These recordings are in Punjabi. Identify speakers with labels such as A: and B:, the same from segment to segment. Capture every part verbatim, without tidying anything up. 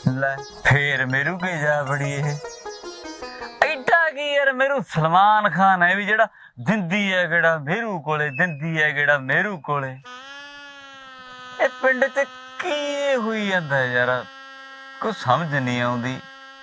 A: ਲੈ ਫੇਰ ਮੇਰੂ ਕੇ ਜਾ ਬੜੀ ਇਹ ਐਡਾ ਕੀ ਯਾਰ ਮੇਰੂ ਸਲਮਾਨ ਖਾਨ ਹੈ ਵੀ ਜਿਹੜਾ ਦਿੰਦੀ ਹੈ ਕਿਹੜਾ ਮੇਰੂ ਕੋਲੇ ਦਿੰਦੀ ਹੈ ਕਿਹੜਾ ਮੇਰੂ ਕੋਲੇ ਇਹ ਪਿੰਡ ਚ ਕੀ ਹੋਈ ਜਾਂਦਾ ਯਾਰ ਕੁਛ ਸਮਝ ਨਹੀਂ ਆਉਂਦੀ।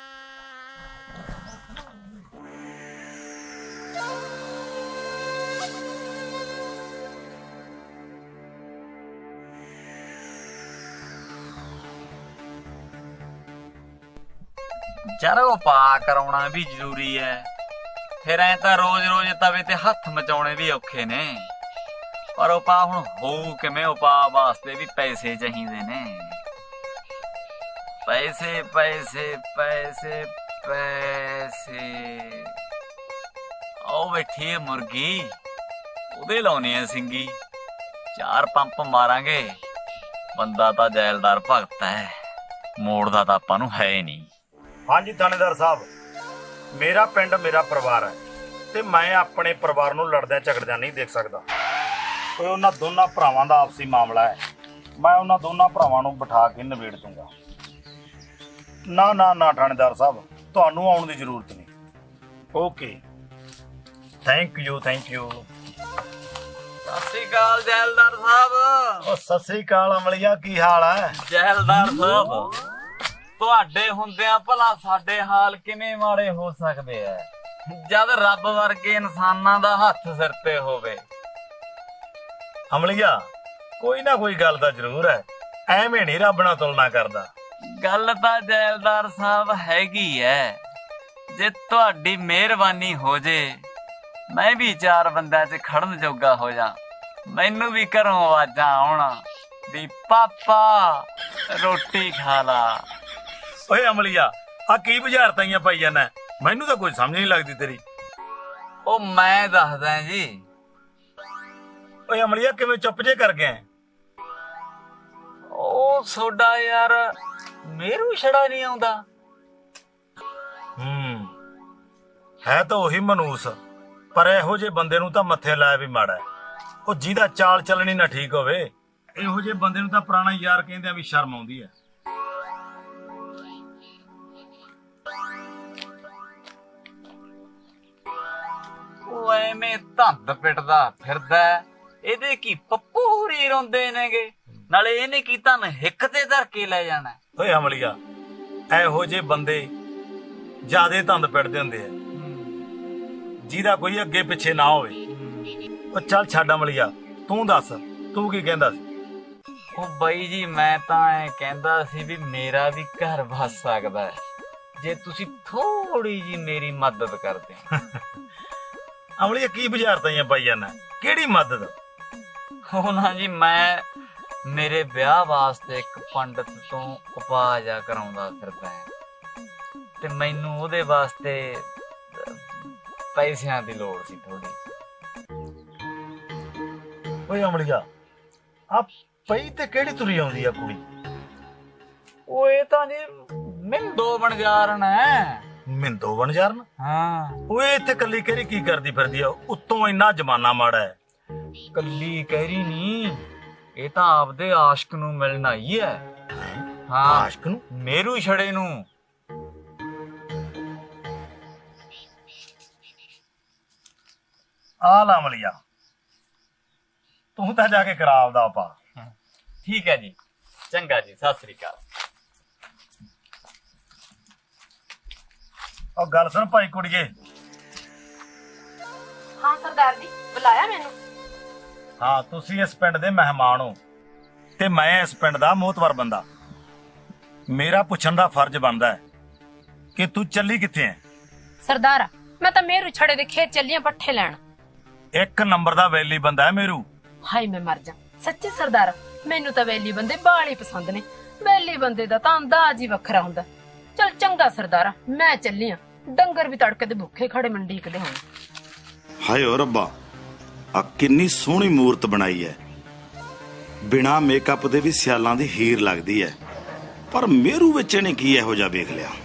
A: ਯਾਰ ਉਪਾਅ ਕਰਾਉਣਾ ਵੀ ਜ਼ਰੂਰੀ ਹੈ ਫਿਰ ਐ ਤਾਂ ਰੋਜ਼ ਰੋਜ਼ ਤਵੇ ਤੇ ਹੱਥ ਮਚਾਉਣੇ ਵੀ ਔਖੇ ਨੇ ਪਰ ਉਪਾਅ ਹੁਣ ਹੋਊ ਕਿਵੇਂ ਉਪਾਅ ਵਾਸਤੇ ਵੀ ਪੈਸੇ ਚਾਹੀਦੇ ਨੇ ਪੈਸੇ ਪੈਸੇ ਪੈਸੇ ਪੈਸੇ ਉਹ ਬੈਠੀ ਹੈ ਮੁਰਗੀ ਉਹਦੇ ਲਾਉਣੀ ਹੈ ਸਿੰਗੀ ਚਾਰ ਪੰਪ ਮਾਰਾਂਗੇ ਬੰਦਾ ਤਾਂ ਜੈਲਦਾਰ ਭਗਤ ਹੈ ਮੋੜਦਾ ਤਾਂ ਆਪਾਂ ਨੂੰ ਹੈ ਨਹੀਂ।
B: ਹਾਂਜੀ ਥਾਣੇਦਾਰ ਸਾਹਿਬ ਮੇਰਾ ਪਿੰਡ ਮੇਰਾ ਪਰਿਵਾਰ ਹੈ ਤੇ ਮੈਂ ਆਪਣੇ ਪਰਿਵਾਰ ਨੂੰ ਲੜਦਿਆਂ ਝਗੜਦਿਆਂ ਨਹੀਂ ਦੇਖ ਸਕਦਾ। ਕੋਈ ਉਹਨਾਂ ਦੋਨਾਂ ਭਰਾਵਾਂ ਦਾ ਆਪਸੀ ਮਾਮਲਾ ਹੈ ਮੈਂ ਉਹਨਾਂ ਦੋਨਾਂ ਭਰਾਵਾਂ ਨੂੰ ਬਿਠਾ ਕੇ ਨਿਬੇੜ ਦੂੰਗਾ। ਨਾ ਨਾ ਨਾ ਥਾਣੇਦਾਰ ਸਾਹਿਬ ਤੁਹਾਨੂੰ ਆਉਣ ਦੀ ਜ਼ਰੂਰਤ ਨਹੀਂ। Okay thank you thank you.
A: ਸਤਿ ਸ੍ਰੀ ਅਕਾਲ ਜੈਲਦਾਰ ਸਾਹਿਬ।
B: ਉਹ ਸਤਿ ਸ੍ਰੀ ਅਕਾਲ ਅਮਲੀਆ ਕੀ ਹਾਲ ਹੈ?
A: ਜੈਲਦਾਰ ਸਾਹਿਬ ਤੁਹਾਡੇ ਹੁੰਦਿਆਂ ਭਲਾ ਸਾਡੇ ਹਾਲ ਕਿਵੇਂ ਮਾੜੇ ਹੋ ਸਕਦੇ ਐ ਜਦ ਰੱਬ ਵਰਗੇ ਇਨਸਾਨਾਂ ਦਾ ਹੱਥ ਸਿਰ ਤੇ ਹੋਵੇ।
B: ਅਮਲੀਆ ਕੋਈ ਨਾ ਕੋਈ ਗੱਲ ਤਾਂ ਜ਼ਰੂਰ ਹੈ ਐਵੇਂ ਨਹੀਂ ਰੱਬ ਨਾਲ ਤੁਲਨਾ ਕਰਦਾ।
A: ਗੱਲ ਤਾਂ ਜੈਲਦਾਰ ਸਾਹਿਬ ਹੈਗੀ ਐ ਜੇ ਤੁਹਾਡੀ ਮਿਹਰਬਾਨੀ ਹੋ ਜੇ ਮੈਂ ਵੀ ਚਾਰ ਬੰਦਿਆਂ 'ਚ ਖੜਨ ਜੋਗਾ ਹੋ ਜਾ ਮੈਨੂੰ ਵੀ ਘਰੋਂ ਆਵਾਜ਼ਾਂ ਆਉਣ ਵੀ ਪਾਪਾ ਰੋਟੀ ਖਾ ਲਾ।
B: ਓਏ ਅਮਲੀਆ ਆ ਕੀ ਬੁਝਾਰਤਾਂ ਪਾਈ ਜਾਂਦਾ ਮੈਨੂੰ ਤਾਂ ਕੋਈ ਸਮਝ ਨਹੀਂ ਲੱਗਦੀ ਤੇਰੀ।
A: ਉਹ ਮੈਂ ਦੱਸਦਾ ਜੀ।
B: ਓਏ ਅਮਲੀਆ ਕਿਵੇਂ ਚੁੱਪ ਜੇ ਕਰ ਗਿਆ?
A: ਉਹ ਸੋਡਾ ਯਾਰ ਮੇਰੂ ਛੜਾ ਨਹੀਂ ਆਉਂਦਾ।
B: ਹੂੰ ਹੈ ਤਾਂ ਉਹੀ ਮਨੂਸ ਪਰ ਇਹੋ ਜਿਹੇ ਬੰਦੇ ਨੂੰ ਤਾਂ ਮੱਥੇ ਲਾਇਆ ਵੀ ਮਾੜਾ ਉਹ ਜਿਹਦਾ ਚਾਲ ਚੱਲਣੀ ਨਾ ਠੀਕ ਹੋਵੇ ਇਹੋ ਜਿਹੇ ਬੰਦੇ ਨੂੰ ਤਾਂ ਪੁਰਾਣਾ ਯਾਰ ਕਹਿੰਦੇ ਆ ਵੀ ਸ਼ਰਮ ਆਉਂਦੀ ਹੈ।
A: ਉਹ ਐਵੇਂ ਧੰਦ ਪਿੱਟਦਾ ਫਿਰਦਾ ਇਹਦੇ ਕੀ ਪੱਪੂ ਹੋਰੀ ਰੋਂਦੇ ਨੇਗੇ ਨਾਲੇ ਇਹਨੇ ਕੀ ਤੁਹਾਨੂੰ ਹਿੱਕ ਤੇ ਧਰ ਕੇ ਲੈ ਜਾਣਾ।
B: ਓਏ ਅਮਲੀਆ ਇਹੋ ਜਿਹੇ ਬੰਦੇ ਜਿਆਦੇ ਧੰਦ ਪਿੱਟਦੇ ਹੁੰਦੇ ਆ ਜਿਹਦਾ ਕੋਈ ਅੱਗੇ ਪਿੱਛੇ ਨਾ ਹੋਵੇ। ਉਹ ਚੱਲ ਛੱਡ ਅਮਲੀਆ ਤੂੰ ਦੱਸ ਤੂੰ ਕੀ ਕਹਿੰਦਾ ਸੀ?
A: ਉਹ ਬਾਈ ਜੀ ਮੈਂ ਤਾਂ ਐ ਕਹਿੰਦਾ ਸੀ ਵੀ ਮੇਰਾ ਵੀ ਘਰ ਵਸ ਸਕਦਾ ਜੇ ਤੁਸੀਂ ਥੋੜੀ ਜੀ ਮੇਰੀ ਮਦਦ ਕਰਦੇ।
B: ਅਮਲੀਆ ਕੀ ਬੁਝਾਰਤਾਂ ਪਾਈ ਜਾਂਦਾ ਕਿਹੜੀ ਮਦਦ?
A: ਉਹ ਨਾ ਜੀ ਮੈਂ ਮੇਰੇ ਵਿਆਹ ਵਾਸਤੇ ਇੱਕ ਪੰਡਤ ਤੋਂ ਉਪਾਅ ਜਾ ਕਰਾਉਂਦਾ ਫਿਰਦਾ ਤੇ ਮੈਨੂੰ ਉਹਦੇ ਵਾਸਤੇ ਪੈਸਿਆਂ ਦੀ ਲੋੜ ਸੀ ਥੋੜੀ।
B: ਓਏ ਅਮਲੀਆ ਆ ਪਈ ਤੇ ਕਿਹੜੀ ਤੁਰੀ ਆਉਂਦੀ ਆ ਕੁੜੀ?
A: ਉਹ ਇਹ ਤਾਂ ਜੀ ਮਿੰਦੋ ਬਣਜਾਰਨ ਹੈ।
B: ਮਿੰਦੋ ਬਣਜਾਰਨ?
A: ਹਾਂ।
B: ਓਏ ਇੱਥੇ ਕੱਲੀ ਕਹਿਰੀ ਕੀ ਕਰਦੀ ਫਿਰਦੀ ਆ? ਉੱਤੋਂ ਇੰਨਾ ਜ਼ਮਾਨਾ ਮਾੜਾ ਹੈ।
A: ਕੱਲੀ ਕਹਿਰੀ ਨਹੀਂ ਇਹ ਤਾਂ ਆਪਦੇ ਆਸ਼ਕ ਨੂੰ ਮਿਲਣ ਆਈ ਹੈ। ਹਾਂ
B: ਆਸ਼ਕ ਨੂੰ?
A: ਮੇਰੂ ਛੜੇ ਨੂੰ।
B: ਆ ਲਾ ਅਮਲੀਆ ਤੂੰ ਤਾਂ ਜਾ ਕੇ ਕਰਾ ਆਪਦਾ ਪਾ।
A: ਠੀਕ ਹੈ ਜੀ ਚੰਗਾ ਜੀ ਸਤਿ ਸ੍ਰੀ ਅਕਾਲ।
B: ਉਹ ਗੱਲ ਸੁਣ ਭਾਈ ਕੁੜੀਏ।
C: ਹਾਂ ਸਰਦਾਰ ਜੀ ਬੁਲਾਇਆ ਮੈਨੂੰ?
B: ਹਾਂ ਤੁਸੀਂ ਇਸ ਪਿੰਡ ਦੇ ਮਹਿਮਾਨ ਹੋ ਤੇ ਮੈਂ ਇਸ ਪਿੰਡ ਦਾ ਮੋਹਤਵਰ ਬੰਦਾ। ਮੇਰਾ ਪੁੱਛਣ ਦਾ ਫਰਜ਼ ਬਣਦਾ ਹੈ ਕਿ ਤੂੰ ਚੱਲੀ ਕਿੱਥੇ ਹੈ?
C: ਸਰਦਾਰਾ ਮੈਂ ਤਾਂ ਮੇਰੂ ਛੜੇ ਦੇ ਖੇਤ ਚੱਲੀਆਂ ਪੱਠੇ ਲੈਣ।
B: ਇੱਕ ਨੰਬਰ ਦਾ ਵੈਲੀ ਬੰਦਾ ਹੈ ਮੇਰੂ।
C: ਹਾਏ ਮੈਂ ਮਰ ਜਾ ਸੱਚੀ ਸਰਦਾਰਾ ਮੈਨੂੰ ਤਾਂ ਵੈਲੀ ਬੰਦੇ ਬਾਲੇ ਪਸੰਦ ਨੇ। ਵੈਲੀ ਬੰਦੇ ਦਾ ਤਾਂ ਅੰਦਾਜ਼ ਹੀ ਵੱਖਰਾ ਹੁੰਦਾ। ਚਲ ਚੰਗਾ ਸਰਦਾਰਾ ਮੈਂ ਚੱਲੀ ਆ ਡੰਗਰ ਵੀ ਤੜਕੇ ਦੇ ਭੁੱਖੇ ਖੜੇ ਮੰਡੀਕਦੇ ਹੋਣ।
D: ਹਾਏ ਓ ਰੱਬਾ ਆ ਕਿੰਨੀ ਸੋਹਣੀ ਮੂਰਤ ਬਣਾਈ ਹੈ ਬਿਨਾ ਮੇਕਅਪ ਦੇ ਵੀ ਸਿਆਲਾਂ ਦੀ ਹੀਰ ਲੱਗਦੀ ਹੈ ਪਰ ਮੇਰੂ ਵਿੱਚ ਇਹਨੇ ਕੀ ਇਹੋ ਜਿਹਾ ਵੇਖ ਲਿਆ?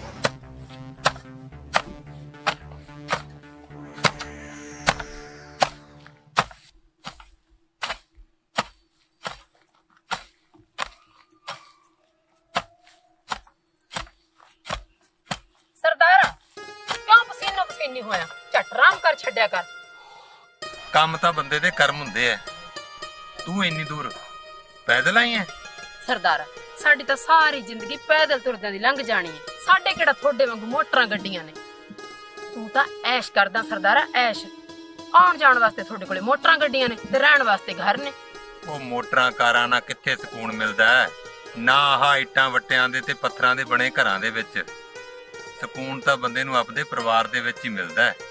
C: ਹੋਇਆ, ਝਟ ਆਰਾਮ ਕਰ ਛੱਡਿਆ ਕਰ।
E: ਕੰਮ ਤਾਂ ਬੰਦੇ ਦੇ ਕਰਮ ਹੁੰਦੇ ਐ। ਤੂੰ ਇੰਨੀ ਦੂਰ ਪੈਦਲ ਆਈ ਐ?
C: ਸਰਦਾਰਾ, ਸਾਡੀ ਤਾਂ ਸਾਰੀ ਜ਼ਿੰਦਗੀ ਪੈਦਲ ਤੁਰਦਿਆਂ ਦੀ ਲੰਘ ਜਾਣੀ ਹੈ। ਸਾਡੇ ਕਿਹੜਾ ਥੋੜੇ ਵਾਂਗੂ ਮੋਟਰਾਂ ਗੱਡੀਆਂ ਨੇ। ਤੂੰ ਤਾਂ ਐਸ਼ ਕਰਦਾ ਸਰਦਾਰਾ, ਐਸ਼। ਆਉਣ ਜਾਣ ਵਾਸਤੇ ਤੁਹਾਡੇ ਕੋਲੇ ਮੋਟਰਾਂ ਗੱਡੀਆਂ ਨੇ ਤੇ ਰਹਿਣ ਵਾਸਤੇ ਘਰ ਨੇ।
E: ਉਹ ਮੋਟਰਾਂ ਕਾਰਾਂ ਨਾਲ ਕਿੱਥੇ ਸਕੂਨ ਮਿਲਦਾ ਹੈ? ਨਾ ਆਹ ਇੱਟਾਂ ਵੱਟਿਆਂ ਦੇ ਤੇ ਪੱਥਰਾਂ ਦੇ ਬਣੇ ਘਰਾਂ ਦੇ ਵਿੱਚ। ਸਕੂਨ ਤਾਂ ਬੰਦੇ ਨੂੰ ਆਪਦੇ ਪਰਿਵਾਰ ਦੇ ਵਿੱਚ ਹੀ ਮਿਲਦਾ ਹੈ।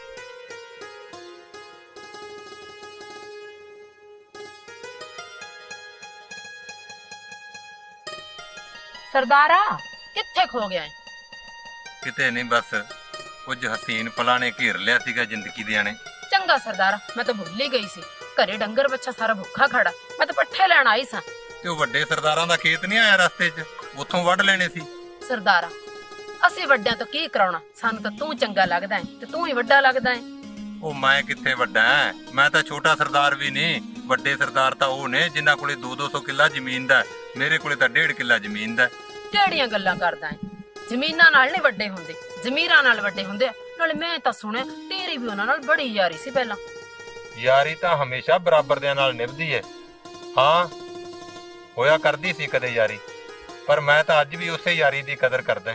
C: ਸਰਦਾਰਾ, ਕਿੱਥੇ ਖੋ ਗਿਆ ਏ?
E: ਕਿਤੇ ਨਹੀਂ, ਬਸ ਕੁਝ ਹਸੀਨ ਪਲਾਂ ਨੇ ਘੇਰ ਲਿਆ ਸੀਗਾ ਜ਼ਿੰਦਗੀ ਦੇ ਆਣੇ।
C: ਚੰਗਾ ਸਰਦਾਰਾ, ਮੈਂ ਤਾਂ ਭੁੱਲ ਹੀ ਗਈ ਸੀ। ਘਰੇ ਡੰਗਰ ਬੱਚਾ ਸਾਰਾ ਭੁੱਖਾ ਖੜਾ, ਮੈਂ ਤਾਂ ਪੱਠੇ ਲੈਣ ਆਈ ਸਾਂ।
E: ਤੇ ਉਹ ਵੱਡੇ ਸਰਦਾਰਾਂ ਦਾ ਖੇਤ ਨਹੀਂ ਆਇਆ ਰਸਤੇ 'ਚ? ਉੱਥੋਂ ਵੱਢ ਲੈਣੇ ਸੀ।
C: ਸਰਦਾਰਾ, ਅਸੀਂ ਵੱਡਿਆਂ ਤੋਂ ਕੀ ਕਰਾਉਣਾ? ਸਾਨੂੰ ਤਾਂ ਤੂੰ ਚੰਗਾ ਲੱਗਦਾ ਹੈ ਤੇ ਤੂੰ ਹੀ ਵੱਡਾ ਲੱਗਦਾ ਹੈ।
E: ਉਹ ਮੈਂ ਕਿੱਥੇ ਵੱਡਾ ਐ? ਮੈਂ ਤਾਂ ਛੋਟਾ ਸਰਦਾਰ ਵੀ ਨਹੀਂ। ਵੱਡੇ ਸਰਦਾਰ ਤਾਂ ਉਹ ਨੇ ਜਿਨ੍ਹਾਂ ਕੋਲੇ ਦੋ ਦੋ ਸੌ ਕਿੱਲਾ ਜ਼ਮੀਨ ਦਾ। ਮੇਰੇ ਕੋਲੇ ਤਾਂ ਡੇਢ ਕਿੱਲਾ ਜ਼ਮੀਨ ਦਾ।
C: ਕਿਹੜੀਆਂ ਗੱਲਾਂ ਕਰਦਾ ਹੈ? ਜ਼ਮੀਨਾਂ ਨਾਲ ਨਹੀਂ ਵੱਡੇ ਹੁੰਦੇ, ਜ਼ਮੀਰਾਂ ਨਾਲ ਵੱਡੇ ਹੁੰਦੇ ਆ। ਨਾਲੇ ਮੈਂ ਤਾਂ ਸੁਣਿਆ ਤੇਰੀ ਵੀ ਉਹਨਾਂ ਨਾਲ ਬੜੀ ਯਾਰੀ ਸੀ ਪਹਿਲਾਂ।
E: ਯਾਰੀ ਤਾਂ ਹਮੇਸ਼ਾ ਬਰਾਬਰ ਦਿਆਂ ਨਾਲ ਨਿਭਦੀ ਏ। ਹਾਂ, ਹੋਇਆ ਕਰਦੀ ਸੀ ਕਦੇ ਯਾਰੀ, ਪਰ ਮੈਂ ਤਾਂ ਅੱਜ ਵੀ ਉਸੇ ਯਾਰੀ ਦੀ ਕਦਰ ਕਰਦਾ।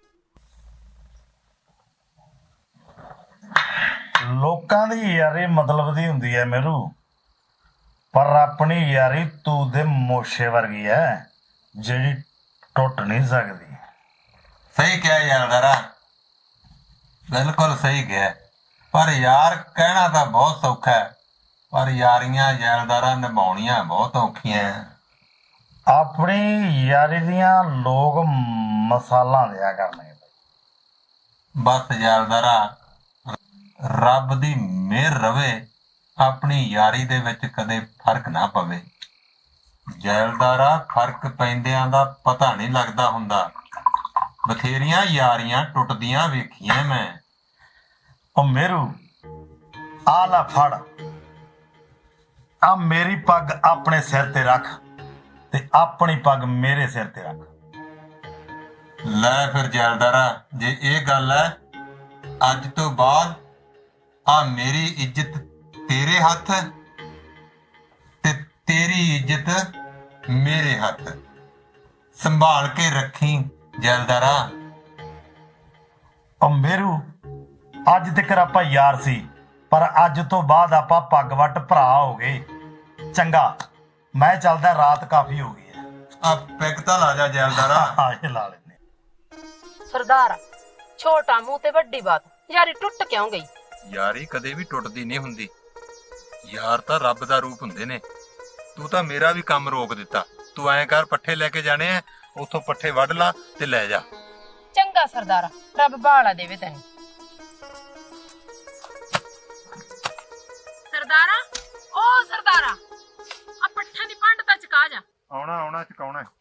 B: ਲੋਕਾਂ ਦੀ ਯਾਰੀ ਮਤਲਬ ਦੀ ਹੁੰਦੀ ਹੈ ਮੇਰੂ, ਪਰ ਆਪਣੀ ਯਾਰੀ ਤੂੰ ਦੇ ਮੋਸ਼ੇ ਵਰਗੀ ਹੈ, ਜਿਹੜੀ ਟੁੱਟ ਨਹੀਂ ਸਕਦੀ।
E: ਸਹੀ ਕਿਹਾ ਯਾਰਦਾਰਾ, ਬਿਲਕੁਲ ਸਹੀ ਕਿਹਾ। ਪਰ ਯਾਰ ਕਹਿਣਾ ਤਾਂ ਬਹੁਤ ਸੌਖਾ ਹੈ, ਪਰ ਯਾਰੀਆਂ ਯਾਰਦਾਰਾ ਨਿਭਾਉਣੀਆਂ ਬਹੁਤ ਔਖੀਆਂ।
B: ਆਪਣੀ ਯਾਰੀ ਦੀਆਂ ਲੋਕ ਮਸਾਲਾਂ ਦਿਆ ਕਰਨੇ।
E: ਬਸ ਯਾਰਦਾਰਾ, ਰੱਬ ਦੀ ਮਿਹਰ ਰਵੇ, ਆਪਣੀ ਯਾਰੀ ਦੇ ਵਿੱਚ ਕਦੇ ਫਰਕ ਨਾ ਪਵੇ। ਜੈਲਦਾਰਾ, ਫਰਕ ਪੈਂਦਿਆਂ ਦਾ ਪਤਾ ਨਹੀਂ ਲੱਗਦਾ ਹੁੰਦਾ। ਬਥੇਰੀਆਂ ਯਾਰੀਆਂ ਟੁੱਟਦੀਆਂ ਵੇਖੀਆਂ ਮੈਂ।
B: ਉਹ ਮੇਰੂ, ਆ ਲੈ ਫੜ, ਆ ਮੇਰੀ ਪੱਗ ਆਪਣੇ ਸਿਰ ਤੇ ਰੱਖ ਤੇ ਆਪਣੀ ਪੱਗ ਮੇਰੇ ਸਿਰ ਤੇ ਰੱਖ।
E: ਲੈ ਫਿਰ ਜੈਲਦਾਰਾ, ਜੇ ਇਹ ਗੱਲ ਹੈ, ਅੱਜ ਤੋਂ ਬਾਅਦ ਆ ਮੇਰੀ ਇੱਜ਼ਤ ਤੇਰੇ ਹੱਥ ਤੇ ਤੇਰੀ ਇੱਜ਼ਤ ਮੇਰੇ ਹੱਥ। ਸੰਭਾਲ ਕੇ ਰੱਖੀ ਜੈਲਦਾਰਾ।
B: ਉਹ ਮੇਰੂ, ਅੱਜ ਤੱਕ ਆਪਾਂ ਯਾਰ ਸੀ, ਪਰ ਅੱਜ ਤੋਂ ਬਾਅਦ ਆਪਾਂ ਪੱਗ ਵੱਟ ਭਰਾ ਹੋ ਗਏ। ਚੰਗਾ, ਮੈਂ ਚੱਲਦਾ, ਰਾਤ ਕਾਫੀ ਹੋ ਗਈ ਹੈ।
E: ਆ ਪੈਗ ਤਾਂ ਲਾ ਜਾ ਜੈਲਦਾਰਾ।
B: ਹਾਂ, ਇਹ ਲਾ ਲੈਨੇ।
C: ਸਰਦਾਰ, ਛੋਟਾ ਮੂੰਹ ਤੇ ਵੱਡੀ ਬਾਤ। ਯਾਰੀ ਟੁੱਟ ਕਿਉਂ ਗਈ?
E: ਯਾਰੀ ਕਦੇ ਵੀ ਟੁੱਟਦੀ ਨਹੀਂ ਹੁੰਦੀ। ਯਾਰ ਤਾਂ ਰੱਬ ਦਾ ਰੂਪ ਹੁੰਦੇ ਨੇ। ਤੂੰ ਤਾਂ ਮੇਰਾ ਵੀ ਕੰਮ ਰੋਕ ਦਿੱਤਾ। ਤੂੰ ਐਂ ਕਰ, ਪੱਠੇ ਲੈ ਕੇ ਜਾਣੇ ਆ, ਉੱਥੋਂ ਪੱਠੇ ਵੱਢ ਲਾ ਤੇ ਲੈ ਜਾ।
C: ਚੰਗਾ ਸਰਦਾਰਾ, ਰੱਬ ਬਾਲਾ ਦੇਵੇ ਤੈਨੂੰ। ਸਰਦਾਰਾ, ਓ ਸਰਦਾਰਾ, ਆ ਪੱਠਿਆਂ ਦੀ ਪੰਡ ਤਾਂ ਚਕਾ ਜਾ।
E: ਆਉਣਾ ਆਉਣਾ ਚਕਾਉਣਾ।